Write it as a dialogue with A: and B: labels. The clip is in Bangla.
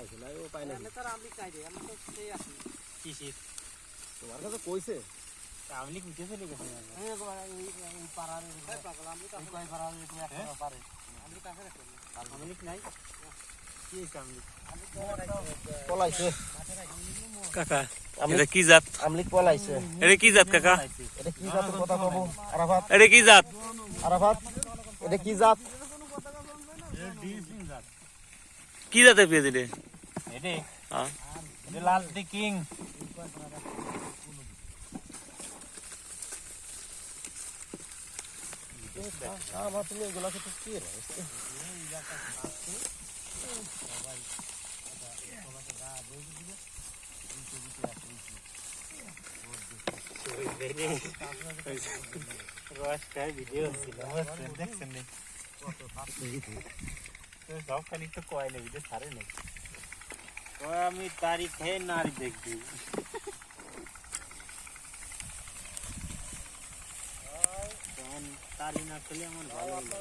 A: পাইছে না ও পাই না
B: আমি তার আমলি চাই রে আমি তো সেই আছি
C: কি শীত
A: তোমার কাছে কইছে
C: আমলি কুইতে চলে গেছে
B: এই পাড়ার এই পাগল আমলি তো কই পাড়ার তুমি একটা পারে আমলি কাছে রাখো
C: আমলি নাই কি হইছে আমলি
A: পলাইছে
D: কাকা এটা কি জাত
A: আমলিক পলাইছে
D: এটা কি জাত কাকা
A: এটা কি জাতের কথা কব আরাফাত
D: এটা কি জাত
A: আরাফাত এটা কি জাত
D: কি জাতের পেঁয়াজ এটা
C: এডে
D: হ্যাঁ
C: এডে লাল দি কিং
A: আমার তুমি এগুলা তো কি রে
C: রস খাই ভিডিও ছিল দেখছেন নি তো সব খালি তো কয়লে ভিডিও ছাড়ে নাই তো আমি তারিখ হে নারী দেখবি তারি না খেলে আমার ভালো লাগে